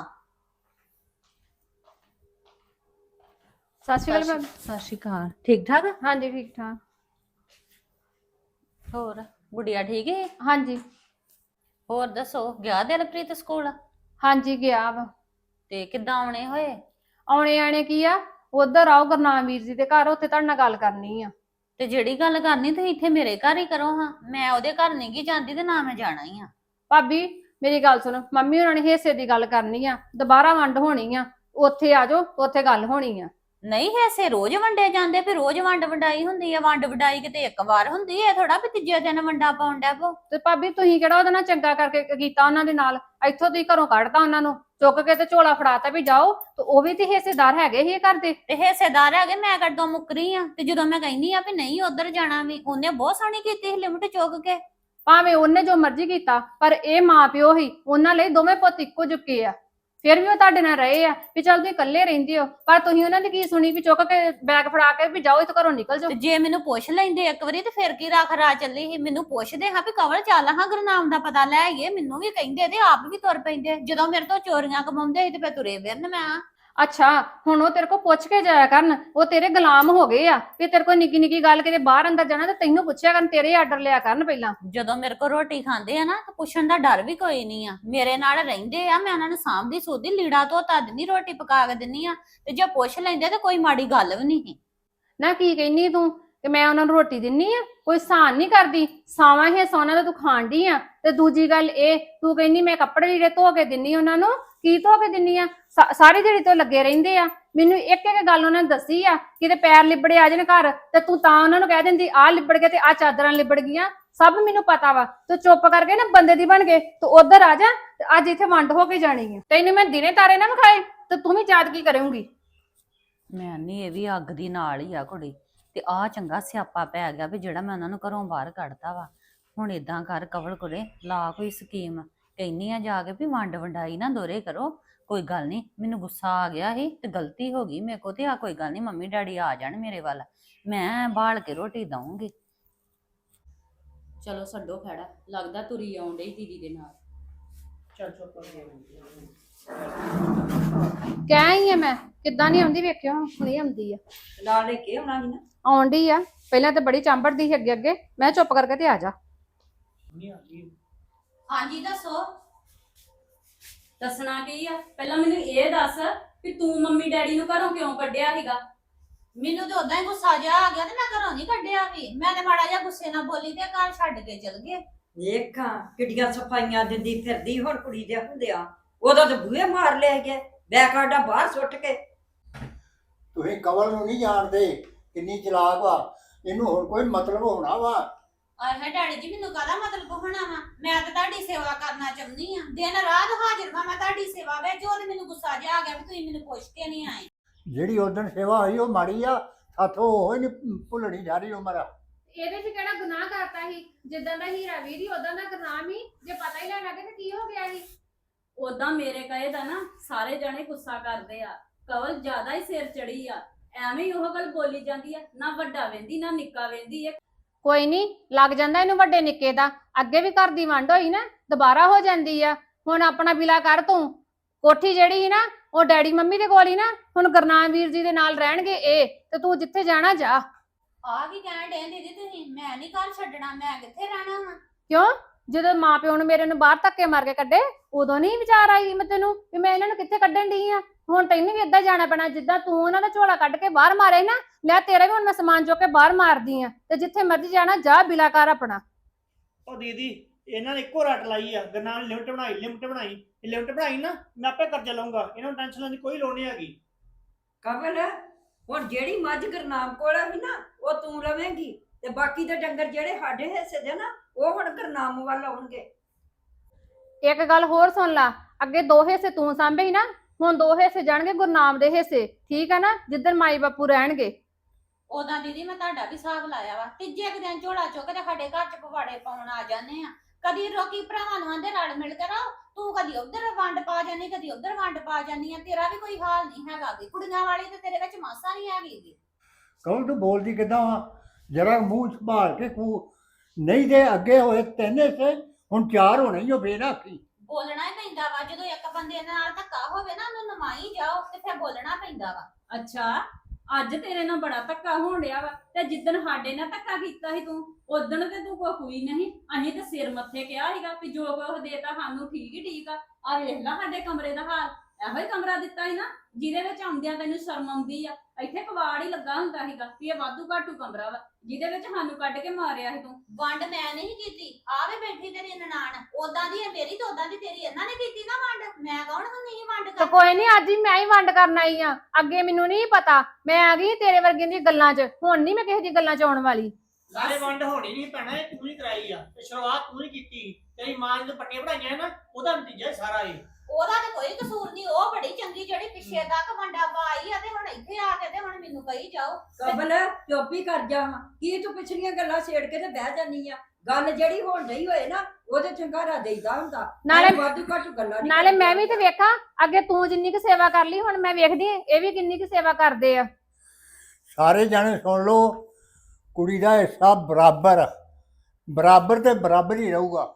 Speaker 2: ਸਤਿ ਸ਼੍ਰੀ ਅਕਾਲ ਭਾਬੀ।
Speaker 4: ਸਤਿ ਸ਼੍ਰੀ ਅਕਾਲ। ਠੀਕ ਠਾਕ?
Speaker 2: ਹਾਂਜੀ ਠੀਕ ਠਾਕ।
Speaker 4: ਹੋਰ ਗੁੜੀਆ ਠੀਕ ਹੈ?
Speaker 2: ਹਾਂਜੀ
Speaker 4: ਹੋਰ ਦੱਸੋ, ਗਿਆ ਦਿਲਪ੍ਰੀਤ ਸਕੂਲ?
Speaker 2: ਹਾਂਜੀ ਗਿਆ ਵਾ।
Speaker 4: ਤੇ ਕਿੱਦਾਂ ਆਉਣੇ ਹੋਏ?
Speaker 2: ਆਉਣੇ ਆਣੇ ਕੀ ਆ, ਉਧਰ ਆਓ ਗੁਰਨਾਮ ਵੀਰ ਜੀ ਦੇ ਘਰ, ਉੱਥੇ ਤੁਹਾਡੇ ਨਾਲ ਗੱਲ ਕਰਨੀ ਆ।
Speaker 4: ਤੇ ਜਿਹੜੀ ਗੱਲ ਕਰਨੀ ਤੁਸੀਂ ਇੱਥੇ ਮੇਰੇ ਘਰ ਹੀ ਕਰੋ ਹਾਂ, ਮੈਂ ਉਹਦੇ ਘਰ ਨਹੀਂ ਗੀ ਜਾਂਦੀ ਤੇ ਨਾ ਮੈਂ ਜਾਣਾ ਹੀ ਆ।
Speaker 2: ਭਾਬੀ ਮੇਰੀ ਗੱਲ ਸੁਣੋ, ਮੰਮੀ ਉਹਨਾਂ ਨੇ ਹਿੱਸੇ ਦੀ ਗੱਲ ਕਰਨੀ ਆ, ਦੁਬਾਰਾ ਵੰਡ ਹੋਣੀ ਆ, ਉੱਥੇ ਆ ਜਾਓ, ਉੱਥੇ ਗੱਲ ਹੋਣੀ ਆ।
Speaker 4: ਨਹੀਂ ਹਿੱਸੇ ਰੋਜ਼ ਵੰਡੇ ਜਾਂਦੇ, ਫਿਰ ਰੋਜ਼ ਵੰਡ ਵੰਡਾਈ ਹੁੰਦੀ ਆ। ਵੰਡ ਵੰਡਾਈ ਕਿਤੇ ਇੱਕ ਵਾਰ ਹੁੰਦੀ ਹੈ, ਥੋੜਾ ਵੀ ਤੀਜੇ ਦਿਨ ਵੰਡਾ ਪਾਉਣ ਡੈ ਪੋ।
Speaker 2: ਤੇ ਭਾਬੀ ਤੁਸੀਂ ਕਿਹੜਾ ਉਹਦੇ ਨਾਲ ਚੰਗਾ ਕਰਕੇ ਕੀਤਾ ਉਹਨਾਂ ਦੇ ਨਾਲ, ਇੱਥੋਂ ਤੁਸੀਂ ਘਰੋਂ ਕੱਢਤਾ ਉਹਨਾਂ ਨੂੰ, ਚੁੱਕ ਕੇ ਤੇ ਝੋਲਾ ਫੜਾਤਾ ਵੀ ਜਾਓ, ਤੇ ਉਹ ਵੀ ਤੇ ਹਿੱਸੇਦਾਰ ਹੈਗੇ ਹੀ ਘਰ ਦੇ।
Speaker 4: ਤੇ ਹਿੱਸੇਦਾਰ ਹੈਗੇ, ਮੈਂ ਕੱਢੋਂ ਮੁੱਕਰੀ ਆ। ਤੇ ਜਦੋਂ ਮੈਂ ਕਹਿੰਦੀ ਆ ਵੀ ਨਹੀਂ ਉਧਰ ਜਾਣਾ, ਵੀ ਉਹਨੇ ਬਹੁਤ ਸੋਹਣੀ ਕੀਤੀ ਸੀ ਲਿਮਟ ਚੁੱਕ ਕੇ।
Speaker 2: ਭਾਵੇਂ ਉਹਨੇ ਜੋ ਮਰਜ਼ੀ ਕੀਤਾ, ਪਰ ਇਹ ਮਾਂ ਪਿਓ ਹੀ, ਉਹਨਾਂ ਲਈ ਦੋਵੇਂ ਪੁੱਤ ਇੱਕੋ ਜੁਕੇ ਆ। ਫਿਰ ਵੀ ਉਹ ਤੁਹਾਡੇ ਨਾਲ ਰਹੇ ਆ ਵੀ ਚੱਲ ਤੁਸੀਂ ਇਕੱਲੇ ਰਹਿੰਦੇ ਹੋ, ਪਰ ਤੁਸੀਂ ਉਹਨਾਂ ਦੀ ਕੀ ਸੁਣੀ ਵੀ ਚੁੱਕ ਕੇ ਬੈਗ ਫੜਾ ਕੇ ਵੀ ਜਾਓ, ਇੱਥੋਂ ਘਰੋਂ ਨਿਕਲ ਜਾਓ।
Speaker 4: ਤੇ ਜੇ ਮੈਨੂੰ ਪੁੱਛ ਲੈਂਦੇ ਇੱਕ ਵਾਰੀ ਤੇ ਫਿਰ ਕੀ ਰੱਖ ਰਾ ਚੱਲੀ ਸੀ। ਮੈਨੂੰ ਪੁੱਛਦੇ ਹਾਂ ਵੀ ਕਵਲ ਚੱਲ ਹਾਂ ਗੁਰਨਾਮ ਦਾ ਪਤਾ ਲੈ ਆਈਏ, ਮੈਨੂੰ ਵੀ ਕਹਿੰਦੇ ਤੇ ਆਪ ਵੀ ਤੁਰ ਪੈਂਦੇ। ਜਦੋਂ ਮੇਰੇ ਤੋਂ ਚੋਰੀਆਂ ਕਮਾਉਂਦੇ ਸੀ ਤੇ ਫਿਰ ਤੁਰੇ ਫਿਰਨ ਮੈਂ।
Speaker 2: ਅੱਛਾ ਹੁਣ ਉਹ ਤੇਰੇ ਕੋਲ ਪੁੱਛ ਕੇ ਜਾਇਆ ਕਰਨ, ਉਹ ਤੇਰੇ ਗੁਲਾਮ ਹੋ ਗਏ ਆ ਵੀ ਤੇਰੇ ਕੋਲ ਨਿੱਕੀ ਨਿੱਕੀ ਗੱਲ ਕਿਤੇ ਬਾਹਰ ਅੰਦਰ ਜਾਣਾ ਤੇ ਤੈਨੂੰ ਪੁੱਛਿਆ ਕਰਨ, ਤੇਰੇ ਆਰਡਰ ਲਿਆ ਕਰਨ ਪਹਿਲਾਂ।
Speaker 4: ਜਦੋਂ ਮੇਰੇ ਕੋਲ ਰੋਟੀ ਖਾਂਦੇ ਆ ਨਾ, ਤਾਂ ਪੁੱਛਣ ਦਾ ਡਰ ਵੀ ਕੋਈ ਨਹੀਂ ਆ। ਮੇਰੇ ਨਾਲ ਰਹਿੰਦੇ ਆ, ਮੈਂ ਉਹਨਾਂ ਨੂੰ ਸਾਂਭਦੀ ਸੋਧੀ, ਲੀੜਾ ਧੋਤਾ ਦਿੰਦੀ, ਰੋਟੀ ਪਕਾ ਕੇ ਦਿੰਦੀ ਆ। ਤੇ ਜੇ ਪੁੱਛ ਲੈਂਦੇ ਤੇ ਕੋਈ ਮਾੜੀ ਗੱਲ ਵੀ ਨਹੀਂ।
Speaker 2: ਨਾ ਕੀ ਕਹਿੰਨੀ ਤੂੰ ਕਿ ਮੈਂ ਉਹਨਾਂ ਨੂੰ ਰੋਟੀ ਦਿੰਨੀ ਆ, ਕੋਈ ਸਾਨ ਨਹੀਂ ਕਰਦੀ, ਸਾਵਾਂ ਹੀ ਸੋਨਾ ਦਾ ਤੂੰ ਖਾਣ ਡਈ ਆ। ਤੇ ਦੂਜੀ ਗੱਲ ਇਹ ਤੂੰ ਕਹਿੰਨੀ ਮੈਂ ਕੱਪੜੇ ਜਿਹੜੇ ਧੋ ਕੇ ਦਿੰਨੀ ਉਹਨਾਂ ਨੂੰ, ਕੀ ਧੋ ਕੇ ਦਿੰਨੀ ਆ? ਸਾਰੀ ਦਿਹਾੜੀ ਤੋਂ ਲੱਗੇ ਰਹਿੰਦੇ ਆ, ਮੈਨੂੰ ਇੱਕ ਇੱਕ ਗੱਲ ਉਹਨਾਂ ਨੇ ਦੱਸੀ ਆ, ਕਿਤੇ ਪੈਰ ਲਿਬੜੇ ਆ ਜਾਣ ਘਰ ਤੇ ਤੂੰ ਤਾਂ ਉਹਨਾਂ ਨੂੰ ਕਹਿ ਦਿੰਦੀ ਆਹ ਲਿਬੜ ਗਏ ਤੇ ਆਹ ਚਾਦਰਾਂ ਲਿਬੜ ਗਈਆਂ, ਸਭ ਮੈਨੂੰ ਪਤਾ ਵਾ। ਤੂੰ ਚੁੱਪ ਕਰਕੇ ਨਾ ਬੰਦੇ ਦੀ ਬਣ ਕੇ ਤੂੰ ਉਧਰ ਆ ਜਾ, ਤੇ ਅੱਜ ਇੱਥੇ ਵੰਡ ਹੋ ਕੇ ਜਾਣੀ ਆ। ਤੈਨੂੰ ਮੈਂ ਦਿਨੇ ਤਾਰੇ ਨਾ ਵਿਖਾਏ ਤੇ ਤੂੰ ਵੀ ਯਾਦ ਕੀ ਕਰੇਂਗੀ?
Speaker 4: ਮੈਂ ਨਹੀਂ, ਇਹ ਵੀ ਅੱਗ ਦੀ ਨਾਲ ਹੀ ਆ ਕੁੜੀ। ਤੇ ਆਹ ਚੰਗਾ ਸਿਆਪਾ ਪੈ ਗਿਆ ਵੀ ਜਿਹੜਾ ਮੈਂ ਉਹਨਾਂ ਨੂੰ ਘਰੋਂ ਬਾਹਰ ਕੱਢਤਾ ਵਾ। ਹੁਣ ਏਦਾਂ ਕਰ ਕਵਲ ਕੁੜੇ, ਲਾ ਕੋਈ ਸਕੀਮ, ਕਹਿੰਨੀ ਆ ਜਾ ਕੇ ਵੀ ਵੰਡ ਵੰਡਾਈ ਨਾ ਦੋਰੇ ਕਰੋ। ਕੋਈ ਗੱਲ ਨਹੀਂ, ਮੈਨੂੰ ਗੁੱਸਾ ਆ ਗਿਆ ਸੀ ਤੇ ਗਲਤੀ ਹੋ ਗਈ ਮੇਰੇ ਕੋ, ਤੇ ਆ ਕੋਈ ਗੱਲ ਨਹੀਂ, ਮੰਮੀ ਡੈਡੀ ਆ ਜਾਣ ਮੇਰੇ ਵੱਲ, ਮੈਂ ਬਾਲ ਕੇ ਰੋਟੀ ਦਊਂਗੀ।
Speaker 6: ਚਲੋ ਛੱਡੋ ਖੜਾ, ਲੱਗਦਾ ਤੁਰੀ ਆਉਣ ਡਈ ਦੀਦੀ ਦੇ ਨਾਲ।
Speaker 5: ਚੱਲ ਚੁੱਪ ਕਰ।
Speaker 2: ਕਹਿ ਹੀ ਆ ਮੈਂ, ਕਿੱਦਾਂ ਨਹੀਂ ਆਉਂਦੀ ਵੇਖਿਓ, ਹੁਣੇ ਆਉਂਦੀ ਆ,
Speaker 1: ਨਾਲ ਲੈ ਕੇ ਆਉਣਾ ਸੀ ਨਾ।
Speaker 2: ਆਉਣ ਡਈ ਆ। ਪਹਿਲਾਂ ਤਾਂ ਬੜੀ ਚਾਂਬੜਦੀ ਸੀ ਅੱਗੇ ਅੱਗੇ, ਮੈਂ ਚੁੱਪ ਕਰਕੇ ਤੇ ਆ ਜਾ।
Speaker 5: ਨਹੀਂ ਆ ਗਈ।
Speaker 6: ਹਾਂਜੀ ਦੱਸੋ। ਦੱਸਣਾ ਕੀ ਆ, ਪਹਿਲਾਂ ਮੈਨੂੰ ਇਹ ਦੱਸ ਕਿ ਤੂੰ ਮੰਮੀ ਡੈਡੀ ਨੂੰ ਘਰੋਂ ਕਿਉਂ ਕੱਢਿਆ ਸੀਗਾ?
Speaker 4: ਮੈਨੂੰ ਤੇ ਉਦਾਂ ਹੀ ਗੁੱਸਾ ਜਿਹਾ ਆ ਗਿਆ ਤੇ ਮੈਂ ਘਰੋਂ ਨਹੀਂ ਕੱਢਿਆ ਵੀ। ਮੈਂ ਤੇ ਮਾੜਾ ਜਿਹਾ ਗੁੱਸੇ ਨਾਲ ਬੋਲੀ ਤੇ ਘਰ ਛੱਡ ਕੇ ਚਲ ਗਏ।
Speaker 1: ਵੇਖਾਂ ਕਿੱਡੀਆਂ ਸਫਾਈਆਂ ਦਿੰਦੀ ਫਿਰਦੀ ਹੁਣ ਕੁੜੀ ਦੇ ਹੁੰਦਿਆਂ, ਉਹਦਾ ਤਾਂ ਬੂਹੇ ਮਾਰ ਲਿਆ ਗਿਆ, ਬੈਗ ਕਾਡਾ ਬਾਹਰ ਸੁੱਟ ਕੇ।
Speaker 3: ਤੁਸੀਂ ਕਵਲ ਨੂੰ ਨਹੀਂ ਜਾਣਦੇ ਕਿੰਨੀ ਚਲਾਕ ਵਾ, ਇਹਨੂੰ ਹੁਣ ਕੋਈ ਮਤਲਬ ਹੋਣਾ ਵਾ।
Speaker 4: ਆਏ ਡੈਡੀ ਜੀ, ਮੈਨੂੰ ਕਾਹਦਾ ਮਤਲਬ ਹੋਣਾ ਵਾ? ਮੈਂ ਤਾਂ ਤੁਹਾਡੀ ਸੇਵਾ ਕਰਨਾ ਚਾਹੁੰਦੀ ਆ, ਦਿਨ ਰਾਤ ਹਾਜ਼ਰ ਵਾ ਮੈਂ ਤੁਹਾਡੀ ਸੇਵਾ ਵਿੱਚ। ਉਹ ਤੇ ਮੈਨੂੰ ਗੁੱਸਾ ਜਿਹਾ ਆ ਗਿਆ ਵੀ ਤੁਸੀਂ ਮੈਨੂੰ ਪੁੱਛ ਕੇ ਨਹੀਂ ਆਏ।
Speaker 3: ਜਿਹੜੀ ਉਦਣ ਸੇਵਾ ਹੋਈ ਉਹ ਮਾੜੀ ਆ, ਸਾਥੋਂ ਉਹ ਹੀ ਨਹੀਂ ਭੁੱਲਣੀ ਸਾਰੀ ਉਮਰ।
Speaker 2: ਇਹਦੇ 'ਚ ਕਿਹੜਾ ਗੁਨਾਹ ਕਰਤਾ ਸੀ? ਜਿੱਦਾਂ ਦਾ ਹੀਰਾ ਵੀਰ ਹੀ ਉਦਾਂ ਦਾ ਗੁਨਾਹ ਹੀ, ਜੇ ਪਤਾ ਹੀ ਲੈਣ ਲੱਗੇ ਤੇ ਕੀ ਹੋ ਗਿਆ ਸੀ?
Speaker 6: ਉਦਾਂ ਮੇਰੇ ਕਹੇ ਦਾ ਨਾ ਸਾਰੇ ਜਣੇ ਗੁੱਸਾ ਕਰਦੇ ਆ, ਕਵਲ ਜ਼ਿਆਦਾ ਹੀ ਸਿਰ ਚੜੀ ਆ, ਐਵੇਂ ਹੀ ਉਹ ਗੱਲ ਬੋਲੀ ਜਾਂਦੀ ਆ, ਨਾ ਵੱਡਾ ਵੇਂਦੀ ਨਾ ਨਿੱਕਾ ਵੇਂਦੀ।
Speaker 2: ਕੋਈ ਨਹੀਂ, ਲੱਗ ਜਾਂਦਾ ਇਹਨੂੰ ਵੱਡੇ ਨਿੱਕੇ ਦਾ। ਅੱਗੇ ਵੀ ਘਰ ਦੀ ਵੰਡ ਹੋਈ ਨਾ, ਦੁਬਾਰਾ ਹੋ ਜਾਂਦੀ ਆ। ਹੁਣ ਆਪਣਾ ਬਿਲਾ ਕਰ ਤੂੰ। ਕੋਠੀ ਜਿਹੜੀ ਸੀ ਨਾ ਉਹ ਡੈਡੀ ਮੰਮੀ ਦੇ ਕੋਲ ਹੀ ਨਾ ਹੁਣ ਗੁਰਨਾਮ ਵੀਰ ਜੀ ਦੇ ਨਾਲ ਰਹਿਣਗੇ ਇਹ, ਤੇ ਤੂੰ ਜਿੱਥੇ ਜਾਣਾ ਜਾ।
Speaker 4: ਆ ਕੀ ਕਹਿਣ ਡੇ ਦੀਦੀ ਤੁਸੀਂ? ਮੈਂ ਨਹੀਂ ਘਰ ਛੱਡਣਾ, ਮੈਂ ਕਿੱਥੇ ਰਹਿਣਾ ਵਾ?
Speaker 2: ਕਿਉਂ? ਜਦੋਂ ਮਾਂ ਪਿਓ ਨੂੰ ਮੇਰੇ ਨੂੰ ਬਾਹਰ ਧੱਕੇ ਮਾਰ ਕੇ ਕੱਢੇ ਉਦੋਂ ਨਹੀਂ ਵਿਚਾਰ ਆਈ ਮੈਂ ਤੈਨੂੰ ਵੀ ਮੈਂ ਇਹਨਾਂ ਨੂੰ ਕਿੱਥੇ ਕੱਢਣ ਡਈ ਆ? ਹੁਣ ਤੈਨੂੰ ਵੀ ਏਦਾਂ ਜਾਣਾ ਪੈਣਾ ਜਿੱਦਾਂ ਤੂੰ ਉਹਨਾਂ ਦਾ ਝੋਲਾ ਕੱਢ ਕੇ ਬਾਹਰ ਮਾਰੇ ਨਾ, ਲੈ ਤੇਰਾ ਵੀ ਹੁਣ ਮੈਂ ਸਮਾਨ ਚੁੱਕ ਕੇ ਬਾਹਰ ਮਾਰਦੀ ਆ, ਤੇ ਜਿੱਥੇ ਮਰਜ਼ੀ ਜਾਣਾ ਜਾ, ਬਿਲਾ ਕਰ ਆਪਣਾ।
Speaker 5: ਉਹ ਦੀਦੀ ਇਹਨਾਂ ਨੇ ਇੱਕੋ ਰੱਟ ਲਾਈ ਆ, ਗਰਨਾਮ ਨੇ ਲਿਮਟ ਬਣਾਈ ਲਿਮਟ ਬਣਾਈ ਇਹ ਲਿਮਟ ਬਣਾਈ ਨਾ, ਮੈਂ ਆਪੇ ਕਰਜ਼ਾ ਲਊਂਗਾ, ਇਹਨਾਂ ਨੂੰ ਟੈਨਸ਼ਨ ਲੈਣ ਦੀ ਕੋਈ ਲੋੜ ਨਹੀਂ ਹੈਗੀ।
Speaker 1: ਕਮਲ ਹੁਣ ਜਿਹੜੀ ਮੱਝ ਗੁਰਨਾਮ ਕੋਲ ਹੈ ਨਾ ਉਹ ਤੂੰ ਲਵੇਂਗੀ, ਤੇ ਬਾਕੀ ਦੇ ਡੰਗਰ ਜਿਹੜੇ ਸਾਡੇ ਹਿੱਸੇ ਦੇ ਨਾ ਉਹ ਹੁਣ ਗੁਰਨਾਮ ਵੱਲ ਆਉਣਗੇ।
Speaker 2: ਇੱਕ ਗੱਲ ਹੋਰ ਸੁਣ ਲਾ, ਅੱਗੇ ਦੋ ਹਿੱਸੇ ਤੂੰ ਸਾਂਭੇ ਸੀ ਨਾ, ਹੁਣ ਦੋ ਹਿੱਸੇ ਜਾਣਗੇ ਗੁਰਨਾਮ ਦੇ ਹਿੱਸੇ, ਠੀਕ ਆ ਨਾ? ਜਿੱਧਰ ਮਾਈ ਬਾਪੂ ਰਹਿਣਗੇ।
Speaker 4: ਉਦਾਂ ਦੀਦੀ ਮੈਂ ਤੁਹਾਡਾ ਵੀ ਹਿਸਾਬ ਲਾਇਆ ਵਾ, ਤੀਜੇ ਕੁ ਦਿਨ ਝੋਲਾ ਚੁੱਕ ਤੇ ਸਾਡੇ ਘਰ ਚ ਪਵਾੜੇ ਪਾਉਣ ਆ ਜਾਂਦੇ ਆ। ਕਦੀ ਰੋਕੀ ਭਰਾਵਾਂ ਨੂੰ ਆਂਦੇ ਰਲ ਮਿਲ ਕੇ ਰਹੋ, ਤੂੰ ਕਦੀ ਉਧਰ ਵੰਡ ਪਾ ਜਾਨੀ ਕਦੀ ਉਧਰ ਵੰਡ ਪਾ ਜਾਨੀ ਆ, ਤੇਰਾ ਵੀ ਕੋਈ ਹਾਲ ਨਹੀਂ ਹੈਗਾ ਗੀ। ਕੁੜੀਆਂ ਵਾਲੀ ਤੇ ਤੇਰੇ ਵਿੱਚ ਮਾਸਾ ਨਹੀਂ ਹੈਗੀ ਗੀ।
Speaker 3: ਕਹੋ ਤੂੰ ਬੋਲਦੀ ਕਿੱਦਾਂ ਵਾ? ਜਰਾ ਮੂੰਹ ਸੰਭਾਲ ਕੇ ਕੂ, ਨਹੀਂ ਤੇ ਅੱਗੇ ਹੋਏ ਤਿੰਨ ਹਿੱਸੇ ਹੁਣ ਚਾਰ ਹੋਣੇ ਹੀ ਹੋ ਬੇਨਾਖੀ।
Speaker 4: ਬੋਲਣਾ ਹੀ ਪੈਂਦਾ ਵਾ, ਜਦੋਂ ਇੱਕ ਬੰਦੇ ਨਾਲ ਧੱਕਾ ਹੋਵੇ ਨਾ ਉਹਨੂੰ ਨਮਾਈ ਜਾਓ ਤੇ ਫਿਰ ਬੋਲਣਾ ਪੈਂਦਾ ਵਾ।
Speaker 6: ਅੱਛਾ ਅੱਜ ਤੇਰੇ ਨਾਲ ਬੜਾ ਧੱਕਾ ਹੋਣ ਡਿਆ ਵਾ, ਤੇ ਜਿੱਦਣ ਸਾਡੇ ਨਾਲ ਧੱਕਾ ਕੀਤਾ ਸੀ ਤੂੰ ਉਦਣ ਤੇ ਤੂੰ ਕੋਈ ਹੋਈ ਨਹੀਂ। ਅਸੀਂ ਤੇ ਸਿਰ ਮੱਥੇ ਕਿਹਾ ਸੀਗਾ ਵੀ ਜੋ ਕੁਝ ਦੇਤਾ ਸਾਨੂੰ ਠੀਕ ਹੀ ਠੀਕ ਆ। ਆ ਵੇਖ ਲੈ ਸਾਡੇ ਕਮਰੇ ਦਾ ਹਾਲ, ਇਹੋ ਹੀ ਕਮਰਾ ਦਿੱਤਾ ਸੀ ਨਾ ਜਿਹਦੇ ਵਿੱਚ ਆਉਂਦਿਆਂ ਤੈਨੂੰ ਸ਼ਰਮ ਆਉਂਦੀ ਆ। ਇੱਥੇ ਕਵਾੜ ਹੀ ਲੱਗਾ ਹੁੰਦਾ ਸੀਗਾ ਵੀ ਇਹ ਵਾਧੂ ਘਾਟੂ ਕਮਰਾ ਵਾ, ਜਿਹਦੇ ਵਿੱਚ ਸਾਨੂੰ ਕੱਢ ਕੇ ਮਾਰਿਆ ਸੀ ਤੂੰ।
Speaker 4: ਵੰਡ ਮੈਂ ਨਹੀਂ ਕੀਤੀ, ਆਵੇ ਬੈਠੀ ਤੇਰੀ ਨਨਾਣ, ਉਦਾਂ ਦੀ ਹੈ ਮੇਰੀ ਤੇ ਉਦਾਂ ਦੀ ਤੇਰੀ, ਇਹਨਾਂ ਨੇ ਕੀਤੀ ਨਾ ਵੰਡ। ਮੈਂ ਕੌਣ ਹੁੰਦੀ ਸੀ ਵੰਡ
Speaker 2: ਤੇ
Speaker 4: ਕਰ?
Speaker 2: ਕੋਈ ਨਹੀਂ, ਅੱਜ ਹੀ ਮੈਂ ਹੀ ਵੰਡ ਕਰਨ ਆਈ ਆ, ਅੱਗੇ ਮੈਨੂੰ ਨਹੀਂ ਪਤਾ, ਮੈਂ ਆ ਗਈ ਤੇਰੇ ਵਰਗੇ ਦੀ ਗੱਲਾਂ 'ਚ, ਹੁਣ ਨਹੀਂ ਮੈਂ ਕਿਸੇ ਦੀ ਗੱਲਾਂ 'ਚ ਆਉਣ ਵਾਲੀ।
Speaker 5: ਸਾਰੇ ਵੰਡ ਹੋਣੀ ਨਹੀਂ ਪੈਣਾ, ਇਹ ਤੂੰ ਹੀ ਕਰਾਈ ਆ ਤੇ ਸ਼ੁਰੂਆਤ ਤੂੰ ਹੀ ਕੀਤੀ। ਤੇਰੀ ਮਾਂ ਨੇ ਪੱਟੇ ਬਣਾਈਆਂ ਨਾ, ਉਹਦਾ ਨਤੀਜਾ ਸਾਰਾ ਇਹ।
Speaker 4: ਉਹਦਾ ਤੇ ਕੋਈ ਕਸੂਰ ਨਹੀਂ, ਉਹ ਬੜੀ ਚੰਗੀ ਜਿਹੜੀ ਪਿੱਛੇ ਤੱਕ ਵੰਡਾ ਪਾਈ ਆ, ਤੇ ਹੁਣ ਇੱਥੇ ਆ ਕੇ ਤੇ ਹੁਣ ਮੈਨੂੰ ਕਹੀ ਜਾਓ।
Speaker 1: ਕਮਲ ਚੁੱਪ ਹੀ ਕਰ ਜਾ, ਕੀ ਤੂੰ ਪਿਛਲੀਆਂ ਗੱਲਾਂ ਛੇੜ ਕੇ ਤੇ ਬਹਿ ਜਾਨੀ ਆ? ਗੱਲ ਜਿਹੜੀ ਹੁਣ ਨਹੀਂ ਹੋਏ ਨਾ ਉਹਦੇ ਚੰਗਾਰਾ ਦੇਈਦਾ ਹੁੰਦਾ,
Speaker 2: ਨਾਲੇ
Speaker 1: ਵਾਧੂ ਘੱਟੂ ਗੱਲਾਂ ਨਹੀਂ
Speaker 2: ਨਾਲੇ ਮੈਂ ਵੀ ਤੇ ਵੇਖਾਂ, ਅੱਗੇ ਤੂੰ ਜਿੰਨੀ ਕੁ ਸੇਵਾ ਕਰ ਲਈ, ਹੁਣ ਮੈਂ ਵੇਖਦੀ ਆਂ ਇਹ ਵੀ ਕਿੰਨੀ ਕੁ ਸੇਵਾ ਕਰਦੇ ਆ।
Speaker 3: ਸਾਰੇ ਜਾਣੇ ਸੁਣ ਲਓ, ਕੁੜੀ ਦਾ ਹਿੱਸਾ ਬਰਾਬਰ ਆ, ਬਰਾਬਰ ਤੇ ਬਰਾਬਰ ਹੀ ਰਹੂਗਾ।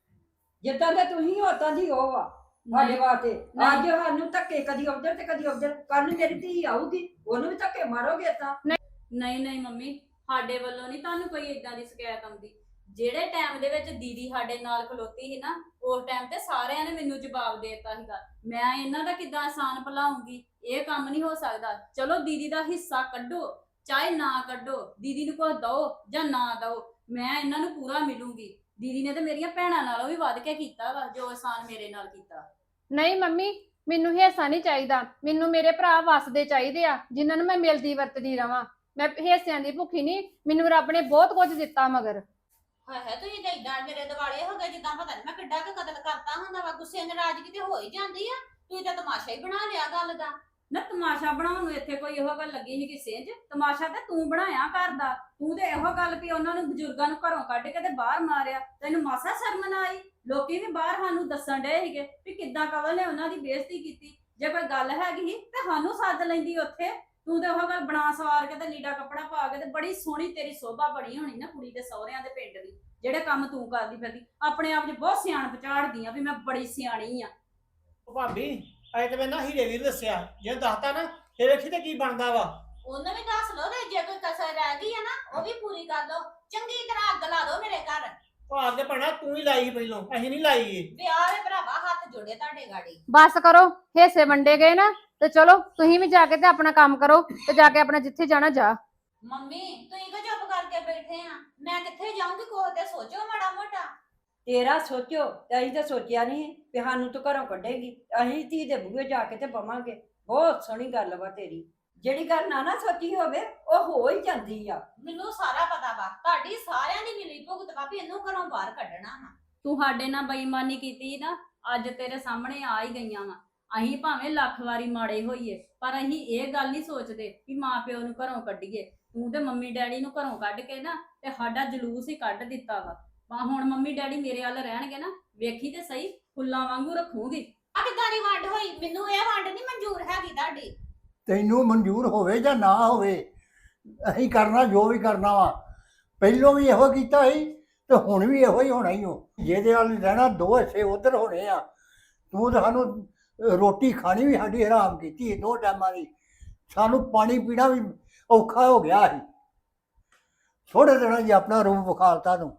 Speaker 1: ਜਿੱਦਾਂ ਦੇ ਤੁਸੀਂ ਉਦਾਂ ਦੀ ਉਹ ਆ ਸਾਡੇ ਵਾਸਤੇ। ਅੱਜ ਸਾਨੂੰ ਧੱਕੇ ਕਦੀ ਉਧਰ ਤੇ ਕਦੀ ਉਧਰ, ਕੱਲ ਨੂੰ ਮੇਰੀ ਧੀ ਆਊਗੀ ਉਹਨੂੰ ਵੀ ਧੱਕੇ ਮਾਰੋਗੇ ਤਾਂ।
Speaker 6: ਨਹੀਂ ਨਹੀਂ ਮੰਮੀ, ਸਾਡੇ ਵੱਲੋਂ ਨਹੀਂ ਤੁਹਾਨੂੰ ਕੋਈ ਇਦਾਂ ਦੀ ਸ਼ਿਕਾਇਤ ਆਉਂਦੀ। ਜਿਹੜੇ ਟਾਈਮ ਦੇ ਵਿੱਚ ਦੀਦੀ ਸਾਡੇ ਨਾਲ ਖਲੋਤੀ ਸੀ ਨਾ, ਉਸ ਟਾਈਮ ਤੇ ਸਾਰਿਆਂ ਨੇ ਮੈਨੂੰ ਜਵਾਬ ਦੇ ਦਿੱਤਾ ਸੀਗਾ। ਮੈਂ ਇਹਨਾਂ ਦਾ ਕਿੱਦਾਂ ਆਸਾਨ ਭੁਲਾਉਂਗੀ? ਇਹ ਕੰਮ ਨਹੀਂ ਹੋ ਸਕਦਾ। ਚਲੋ ਦੀਦੀ ਦਾ ਹਿੱਸਾ ਕੱਢੋ ਚਾਹੇ ਨਾ ਕੱਢੋ, ਦੀਦੀ ਨੂੰ ਕੁਝ ਦਓ ਜਾਂ ਨਾ ਦਓ, ਮੈਂ ਇਹਨਾਂ ਨੂੰ ਪੂਰਾ ਮਿਲੂੰਗੀ। ਦੀਦੀ ਨੇ ਤੇ ਮੇਰੀਆਂ ਭੈਣਾਂ ਨਾਲੋਂ ਵੀ ਵੱਧ ਕੇ ਕੀਤਾ ਵਾ ਜੋ ਆਸਾਨ ਮੇਰੇ ਨਾਲ ਕੀਤਾ।
Speaker 2: ਨਹੀਂ ਮੰਮੀ, ਮੈਨੂੰ ਹਿੱਸਾ ਨਹੀਂ ਚਾਹੀਦਾ, ਮੈਨੂੰ ਮੇਰੇ ਭਰਾ ਵਸਦੇ ਚਾਹੀਦੇ ਆ ਜਿਨ੍ਹਾਂ ਨੂੰ ਮੈਂ ਮਿਲਦੀ ਵਰਤਦੀ ਰਵਾਂ। ਮੈਂ ਹਿੱਸਿਆਂ ਦੀ ਭੁੱਖੀ ਨਹੀਂ, ਮੈਨੂੰ ਰੱਬ ਨੇ ਬਹੁਤ ਕੁਝ ਦਿੱਤਾ ਮਗਰ।
Speaker 4: ਹਾਏ ਹਾਏ, ਤੁਸੀਂ ਤਾਂ ਏਦਾਂ ਮੇਰੇ ਦਿਵਾਲੇ ਹੋ ਗਏ ਜਿੱਦਾਂ ਪਤਾ ਨਹੀਂ ਮੈਂ ਕਿੱਡਾ ਕੁ ਕਤਲ ਕਰਤਾ ਹੁੰਦਾ ਵਾ। ਗੁੱਸੇ ਨਾਰਾਜ਼ਗੀ ਤੇ ਹੋ ਹੀ ਜਾਂਦੀ ਆ, ਤੁਸੀਂ ਤਾਂ ਤਮਾਸ਼ਾ ਹੀ ਬਣਾ ਲਿਆ ਗੱਲ ਦਾ।
Speaker 6: ਨਾ ਤਮਾਸ਼ਾ ਬਣਾਉਣ ਨੂੰ ਇੱਥੇ ਕੋਈ ਇਹੋ ਗੱਲ ਲੱਗੀ ਸੀ ਕਿਸੇ 'ਚ? ਤਮਾਸ਼ਾ ਤੇ ਤੂੰ ਬਣਾਇਆ ਘਰ ਦਾ। ਤੂੰ ਤੇ ਇਹੋ ਗੱਲ ਵੀ ਉਹਨਾਂ ਨੂੰ ਬਜ਼ੁਰਗਾਂ ਨੂੰ ਘਰੋਂ ਕੱਢ ਕੇ ਤੇ ਬਾਹਰ ਮਾਰਿਆ, ਤੈਨੂੰ ਮਾਸਾ ਸ਼ਰਮ ਨਾ ਆਈ? ਲੋਕੀ ਵੀ ਬਾਹਰ ਸਾਨੂੰ ਦੱਸਣ ਡਏ ਸੀਗੇ ਵੀ ਕਿੱਦਾਂ ਕਵਲ ਨੇ ਉਹਨਾਂ ਦੀ ਬੇਇੱਜ਼ਤੀ ਕੀਤੀ। ਜੇ ਕੋਈ ਗੱਲ ਹੈਗੀ ਸੀ ਤੇ ਸਾਨੂੰ ਸੱਦ ਲੈਂਦੀ ਉੱਥੇ। ਤੂੰ ਤੇ ਉਹ ਗੱਲ ਬਣਾ ਸਵਾਰ ਕੇ ਤੇ ਲੀੜਾ ਕੱਪੜਾ ਪਾ ਕੇ ਤੇ ਬੜੀ ਸੋਹਣੀ ਤੇਰੀ ਸੋਭਾ ਬਣੀ ਹੋਣੀ ਨਾ ਕੁੜੀ ਦੇ ਸਹੁਰਿਆਂ ਦੇ ਪਿੰਡ ਦੀ। ਜਿਹੜੇ ਕੰਮ ਤੂੰ ਕਰਦੀ ਫਿਰਦੀ, ਆਪਣੇ ਆਪ 'ਚ ਬਹੁਤ ਸਿਆਣਪ ਝਾੜਦੀ ਆ ਵੀ ਮੈਂ ਬੜੀ ਸਿਆਣੀ ਆ।
Speaker 5: ਉਹ ਭਾਬੀ ਅਜੇ ਤੇ ਮੈਂ ਨਾ ਹੀਰੇ ਵੀਰ ਦੱਸਿਆ, ਜੇ ਦੱਸਤਾ ਨਾ ਫਿਰ ਵੇਖੀ ਤੇ ਕੀ ਬਣਦਾ ਵਾ।
Speaker 4: ਉਹਨੂੰ ਵੀ ਦੱਸ ਲਓ ਤੇ ਜੇ ਕੋਈ ਕਸਰ ਰਹਿ ਗਈ ਆ ਨਾ ਉਹ ਵੀ ਪੂਰੀ ਕਰ ਲਓ। ਚੰਗੀ ਤਰ੍ਹਾਂ ਅੱਗ ਲਾ ਦਿਓ ਮੇਰੇ ਘਰ।
Speaker 5: ਉਹ ਅੱਗੇ ਭੈਣਾ ਤੂੰ ਹੀ ਲਾਈ ਪਹਿਲੋਂ, ਅਸੀਂ ਨਹੀਂ ਲਾਈ ਏ।
Speaker 4: ਵਿਆਹ ਦੇ ਭਰਾਵਾ ਹੱਥ ਜੋੜੇ ਤੁਹਾਡੇ ਗਾੜੀ।
Speaker 2: ਬਸ ਕਰੋ, ਹਿੱਸੇ ਵੰਡੇ ਗਏ ਨਾ ਤੇ ਚਲੋ ਤੁਸੀਂ ਵੀ ਜਾ ਕੇ ਤੇ ਆਪਣਾ ਕੰਮ ਕਰੋ, ਤੇ ਜਾ ਕੇ ਆਪਣਾ ਜਿੱਥੇ ਜਾਣਾ ਜਾ।
Speaker 4: ਮੰਮੀ ਤੁਸੀਂ ਕਿਉਂ ਚੁੱਪ ਕਰਕੇ ਬੈਠੇ ਆ? ਮੈਂ ਕਿੱਥੇ ਜਾਊਂਗੀ? ਕੋਹ ਤੇ ਸੋਚੋ ਮਾੜਾ ਮੋਟਾ।
Speaker 1: ਤੇਰਾ ਸੋਚੋ ਤੇ ਅਸੀਂ ਤਾਂ ਸੋਚਿਆ ਨਹੀਂ ਵੀ ਸਾਨੂੰ ਤੂੰ ਘਰੋਂ ਕੱਢੇਗੀ। ਅਸੀਂ ਧੀ ਦੇ ਬੂਹੇ ਜਾ ਕੇ ਤੇ ਬਵਾਂਗੇ। ਬਹੁਤ ਸੋਹਣੀ ਗੱਲ ਵਾ ਤੇਰੀ। ਜਿਹੜੀ ਗੱਲ ਨਾ ਨਾ ਸੋਚੀ ਹੋਵੇ ਉਹ ਹੋ ਹੀ ਜਾਂਦੀ ਆ।
Speaker 4: ਮੈਨੂੰ ਸਾਰਾ ਪਤਾ ਵਾ, ਤੁਹਾਡੀ ਸਾਰਿਆਂ ਦੀ ਮਿਲੀ ਭੁਗਤ ਵਾ ਵੀ ਇਹਨੂੰ ਘਰੋਂ ਬਾਹਰ ਕੱਢਣਾ ਵਾ।
Speaker 6: ਤੂੰ ਸਾਡੇ ਨਾਲ ਬੇਈਮਾਨੀ ਕੀਤੀ ਨਾ, ਅੱਜ ਤੇਰੇ ਸਾਹਮਣੇ ਆ ਹੀ ਗਈਆਂ ਵਾ। ਅਸੀਂ ਭਾਵੇਂ ਲੱਖ ਵਾਰੀ ਮਾੜੇ ਹੋਈਏ, ਪਰ ਅਸੀਂ ਇਹ ਗੱਲ ਨਹੀਂ ਸੋਚਦੇ ਵੀ ਮਾਂ ਪਿਓ ਨੂੰ ਘਰੋਂ ਕੱਢੀਏ। ਤੂੰ ਤੇ ਮੰਮੀ ਡੈਡੀ ਨੂੰ ਘਰੋਂ ਕੱਢ ਕੇ ਨਾ ਤੇ ਸਾਡਾ ਜਲੂਸ ਹੀ ਕੱਢ ਦਿੱਤਾ ਵਾ। ਆ ਹੁਣ ਮੰਮੀ ਡੈਡੀ ਮੇਰੇ ਵੱਲ ਰਹਿਣਗੇ ਨਾ, ਵੇਖੀ ਤੇ ਸਹੀ ਫੁੱਲਾਂ ਵਾਂਗੂ ਰੱਖੂਗੀ।
Speaker 4: ਆ ਕਿੱਦਾਂ ਦੀ ਵੰਡ ਹੋਈ? ਮੈਨੂੰ ਇਹ ਵੰਡ ਨਹੀਂ ਮਨਜ਼ੂਰ ਹੈਗੀ ਤੁਹਾਡੀ।
Speaker 3: ਤੈਨੂੰ ਮਨਜ਼ੂਰ ਹੋਵੇ ਜਾਂ ਨਾ ਹੋਵੇ, ਅਸੀਂ ਕਰਨਾ ਜੋ ਵੀ ਕਰਨਾ ਵਾ। ਪਹਿਲੋਂ ਵੀ ਇਹੋ ਕੀਤਾ ਸੀ ਤੇ ਹੁਣ ਵੀ ਇਹੋ ਹੀ ਹੋਣਾ ਹੀ ਹੋ। ਜਿਹਦੇ ਨਾਲ ਰਹਿਣਾ ਦੋ ਹਿੱਸੇ ਉਧਰ ਹੋਣੇ ਆ। ਤੂੰ ਤਾਂ ਸਾਨੂੰ ਰੋਟੀ ਖਾਣੀ ਵੀ ਸਾਡੀ ਹਰਾਮ ਕੀਤੀ ਦੋ ਟਾਈਮਾਂ ਦੀ। ਸਾਨੂੰ ਪਾਣੀ ਪੀਣਾ ਵੀ ਔਖਾ ਹੋ ਗਿਆ ਸੀ। ਥੋੜੇ ਦਿਨਾਂ 'ਚ ਆਪਣਾ ਰੂਪ ਵਿਖਾਲਤਾ ਤੂੰ।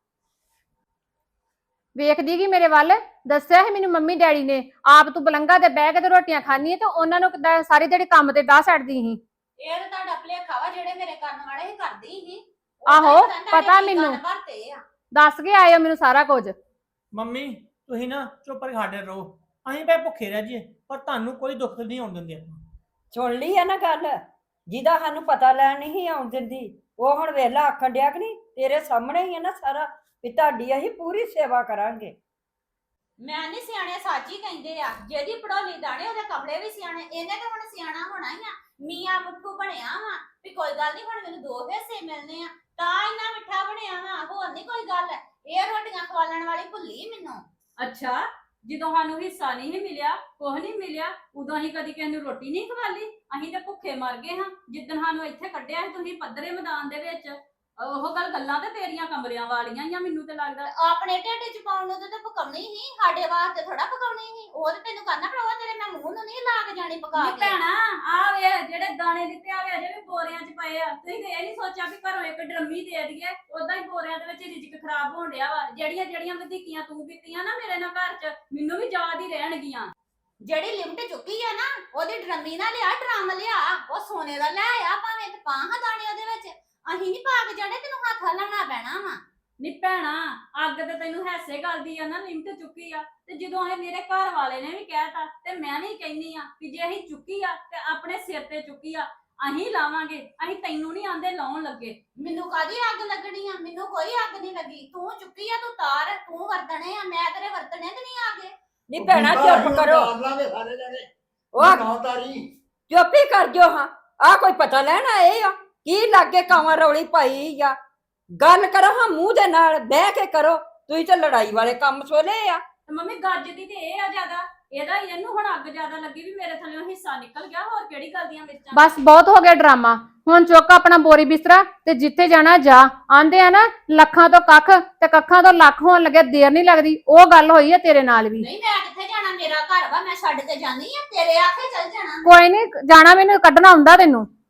Speaker 2: ਵੇਖਦੀ ਕੀ ਮੇਰੇ ਵੱਲ ਦੱਸਿਆ ਹੈ ਮੈਨੂੰ ਮੰਮੀ ਡੈਡੀ ਨੇ, ਆਪ ਤੂੰ ਬਲੰਗਾ ਤੇ ਬਹਿ ਕੇ ਤੇ ਰੋਟੀਆਂ ਖਾਣੀ ਤੇ ਉਹਨਾਂ ਨੂੰ ਕਿੱਦਾਂ ਸਾਰੀ ਦਿਹਾੜੀ ਕੰਮ ਤੇ ਡਾਹ ਛੱਡਦੀ ਸੀ।
Speaker 4: ਇਹ ਤਾਂ ਤੁਹਾਡਾ ਭੁਲੇਖਾ ਵਾ, ਜਿਹੜੇ ਮੇਰੇ ਕਰਨ ਵਾਲੇ ਸੀ ਕਰਦੀ ਸੀ।
Speaker 2: ਆਹੋ, ਪਤਾ ਮੈਨੂੰ। ਦੱਸ ਕੇ ਆਏ ਹੋ ਮੈਨੂੰ ਸਾਰਾ ਕੁਝ।
Speaker 5: ਮੰਮੀ ਤੁਸੀਂ ਨਾ ਚੁੱਪ ਕਰਕੇ ਸਾਡੇ ਰਹੋ, ਅਸੀਂ ਭਾਵੇਂ ਭੁੱਖੇ ਰਹਿ ਜਾਈਏ ਪਰ ਤੁਹਾਨੂੰ ਕੋਈ ਦੁੱਖ ਨਹੀਂ ਆਉਣ ਦਿੰਦੇ ਆਪਾਂ।
Speaker 1: ਸੁਣ ਲਈ ਆ ਨਾ ਗੱਲ, ਜਿਹਦਾ ਸਾਨੂੰ ਪਤਾ ਲੈਣ ਨਹੀਂ ਆਉਣ ਦਿੰਦੀ ਉਹ ਹੁਣ ਵੇਲਾ ਆਖਣ ਡਿਆ ਕਿ ਨਹੀਂ, ਤੇਰੇ ਸਾਹਮਣੇ ਹੀ ਆ ਨਾ ਸਾਰਾ, ਵੀ ਤੁਹਾਡੀ ਅਸੀਂ ਪੂਰੀ ਸੇਵਾ ਕਰਾਂਗੇ।
Speaker 4: ਮੈਂ ਨਹੀਂ ਸਿਆਣੇ ਸੱਚ ਹੀ ਕਹਿੰਦੇ ਆ, ਜਿਹਦੀ ਪੜੋਲੀ ਦਾਣੇ ਉਹਦੇ ਕਪੜੇ ਵੀ ਸਿਆਣੇ। ਇਹਨੇ ਤਾਂ ਹੁਣ ਸਿਆਣਾ ਹੋਣਾ ਹੀ ਆ, ਮੀਆਂ ਮੁੱਠੂ ਬਣਿਆ ਵਾ ਵੀ ਕੋਈ ਗੱਲ ਨਹੀਂ ਹੁਣ ਮੈਨੂੰ ਦੋ ਹਿੱਸੇ ਮਿਲਨੇ ਆ, ਤਾਂ ਇੰਨਾ ਮਿੱਠਾ ਬਣਿਆ ਵਾ, ਹੋਰ ਨਹੀਂ ਕੋਈ ਗੱਲ। ਇਹ ਰੋਟੀਆਂ ਖਵਾਲਣ ਵਾਲੀ ਭੁੱਲੀ ਮੈਨੂੰ।
Speaker 6: ਅੱਛਾ, ਜਦੋਂ ਸਾਨੂੰ ਹਿੱਸਾ ਨਹੀਂ ਮਿਲਿਆ, ਕੁਝ ਨਹੀਂ ਮਿਲਿਆ, ਉਦੋਂ ਅਸੀਂ ਕਦੀ ਕਿਸੇ ਨੂੰ ਰੋਟੀ ਨਹੀਂ ਖਵਾਲੀ। ਅਸੀਂ ਤਾਂ ਭੁੱਖੇ ਮਰ ਗਏ ਹਾਂ ਜਿੱਦਣ ਸਾਨੂੰ ਇੱਥੇ ਕੱਢਿਆ ਸੀ ਤੁਸੀਂ ਪੱਧਰੇ ਮੈਦਾਨ ਦੇ ਵਿੱਚ। ਉਹ ਗੱਲ ਗੱਲਾਂ ਤੇ ਤੇਰੀਆਂ ਕਮਰਿਆਂ ਵਾਲੀਆਂ ਹੀ ਆ, ਮੈਨੂੰ ਤੇ ਲੱਗਦਾ।
Speaker 4: ਆਪਣੇ ਢਿੱਡ ਚ ਪਾਉਣ ਨੂੰ ਤਾਂ ਪਕਾਉਣੀ ਸੀ, ਸਾਡੇ ਵਾਸਤੇ ਥੋੜਾ ਪਕਾਉਣੀ ਸੀ। ਉਹ ਤੇ ਤੈਨੂੰ ਕਰਨਾ ਪੜਵਾ, ਤੇਰੇ ਮੈਂ ਮੂੰਹ ਨੂੰ ਨਹੀਂ ਲਾ ਕੇ ਜਾਣੀ ਪਕਾ
Speaker 6: ਨਹੀਂ
Speaker 4: ਕੇ।
Speaker 6: ਭੈਣਾ, ਆ ਵੇ ਜਿਹੜੇ ਦਾਣੇ ਦਿੱਤੇ ਆ ਵੇ ਅਜੇ ਵੀ ਬੋਰਿਆਂ 'ਚ ਪਏ ਆ। ਤੁਸੀਂ ਤੇ ਇਹ ਨਹੀਂ ਸੋਚਿਆ ਵੀ ਘਰੋਂ ਇੱਕ ਡਰਮੀ ਦੇ ਦਈਏ, ਉਦਾਂ ਹੀ ਬੋਰਿਆਂ ਦੇ ਵਿੱਚ ਰਿਜਕ ਖਰਾਬ ਹੋਣ ਡਿਆ ਵਾ। ਜਿਹੜੀਆਂ ਜਿਹੜੀਆਂ ਵਧੀਕੀਆਂ ਤੂੰ ਕੀਤੀਆਂ ਨਾ ਮੇਰੇ ਨਾਲ ਘਰ 'ਚ, ਮੈਨੂੰ ਵੀ ਯਾਦ ਹੀ ਰਹਿਣਗੀਆਂ।
Speaker 4: ਜਿਹੜੀ ਲਿਮਟ ਚੁੱਕੀ ਆ ਨਾ, ਉਹਦੀ ਡਰਮੀ ਨਾ ਲਿਆ, ਡਰਮ ਲਿਆ, ਉਹ ਸੋਨੇ ਦਾ ਲੈ ਆ, ਭਾਵੇਂ ਤੇ ਪਾਹਾਂ ਦਾਣੇ ਉਹਦੇ ਵਿੱਚ। ਅਸੀਂ ਨਹੀਂ ਪਾ ਕੇ ਜਾਣੇ, ਤੈਨੂੰ ਹੱਥ ਲਾਉਣਾ ਪੈਣਾ ਵਾ।
Speaker 6: ਨੀ ਭੈਣਾ, ਅੱਗ ਤੇ ਤੈਨੂੰ ਹੈਸੇ ਗੱਲ ਦੀ ਆ ਨਾ, ਲਿਮਟ ਚੁੱਕੀ ਆ। ਤੇ ਜਦੋਂ ਇਹ ਮੇਰੇ ਘਰ ਵਾਲੇ ਨੇ ਵੀ ਕਹਿਤਾ ਤੇ ਮੈਂ ਵੀ ਕਹਿੰਨੀ ਆ ਕਿ ਜੇ ਅਸੀਂ ਚੁੱਕੀ ਆ ਤੇ ਆਪਣੇ ਸਿਰ ਤੇ ਚੁੱਕੀ ਆ, ਅਸੀਂ ਲਾਵਾਂਗੇ। ਅਸੀਂ ਤੈਨੂੰ ਨਹੀਂ ਆਂਦੇ ਲਾਉਣ ਲੱਗੇ।
Speaker 4: ਮੈਨੂੰ ਕਾਹਦੀ ਅੱਗ ਲੱਗਣੀ ਆ? ਮੈਨੂੰ ਕੋਈ ਅੱਗ ਨਹੀਂ ਲੱਗੀ। ਤੂੰ ਚੁੱਕੀ ਆ, ਤੂੰ ਤਾਰ, ਤੂੰ ਵਰਤਣੇ ਆ, ਮੈਂ ਤੇਰੇ ਵਰਤਣੇ ਤੇ ਨਹੀਂ ਆ ਗਏ।
Speaker 1: ਨਹੀਂ ਭੈਣਾ ਚੁੱਪ ਕਰੋ,
Speaker 3: ਸਾਰੇ ਜਣੇ
Speaker 1: ਉਹ
Speaker 3: ਨਾਮਦਾਰੀ
Speaker 1: ਚੁੱਪ ਹੀ ਕਰ ਜੋ। ਹਾਂ, ਆ ਕੋਈ ਪਤਾ ਲੈਣ ਆਏ ਆ ਕੀ ਲਾਗੇ ਕਾਵਾਂ ਰੌਲੀ ਪਾਈ ਆ? ਗੱਲ ਕਰੋ ਹਾਂ ਮੂੰਹ ਦੇ ਨਾਲ ਬਹਿ ਕੇ ਕਰੋ, ਤੁਸੀਂ ਤਾਂ ਲੜਾਈ ਵਾਲੇ ਕੰਮ ਸੋਲੇ ਆ।
Speaker 6: ਤੇ ਮੰਮੀ ਗੱਜਦੀ ਤੇ ਇਹ ਆ ਜ਼ਿਆਦਾ, ਇਹਦਾ ਇਹਨੂੰ ਹੁਣ ਅੱਗ ਜ਼ਿਆਦਾ ਲੱਗੀ ਵੀ ਮੇਰੇ ਥੱਲੇੋਂ ਹਿੱਸਾ ਨਿਕਲ ਗਿਆ। ਹੋਰ ਕਿਹੜੀ ਗੱਲ ਦੀਆਂ ਮਿਰਚਾਂ?
Speaker 2: ਬਸ ਬਹੁਤ ਹੋ ਗਿਆ ਡਰਾਮਾ। ਹੁਣ ਚੁੱਕ ਆਪਣਾ ਬੋਰੀ ਬਿਸਤਰਾ ਤੇ ਜਿੱਥੇ ਜਾਣਾ ਜਾ। ਆਂਦੇ ਆ ਨਾ ਲੱਖਾਂ ਤੋਂ ਕੱਖ ਤੇ ਕੱਖਾਂ ਤੋਂ ਲੱਖ ਹੋਣ ਲੱਗੇ ਦੇਰ ਨਹੀਂ ਲੱਗਦੀ। ਉਹ ਗੱਲ ਹੋਈ ਆ ਤੇਰੇ ਨਾਲ ਵੀ।
Speaker 4: ਨਹੀਂ, ਮੈਂ ਕਿੱਥੇ ਜਾਣਾ? ਮੇਰਾ ਘਰ ਵਾ, ਮੈਂ ਛੱਡ ਕੇ ਜਾਨੀ ਆ। ਤੇਰੇ ਆਖੇ ਚੱਲ ਜਾਣਾ।
Speaker 2: ਕੋਈ ਨਹੀਂ ਜਾਣਾ, ਮੈਨੂੰ ਕੱਢਣਾ ਹੁੰਦਾ ਤੈਨੂੰ।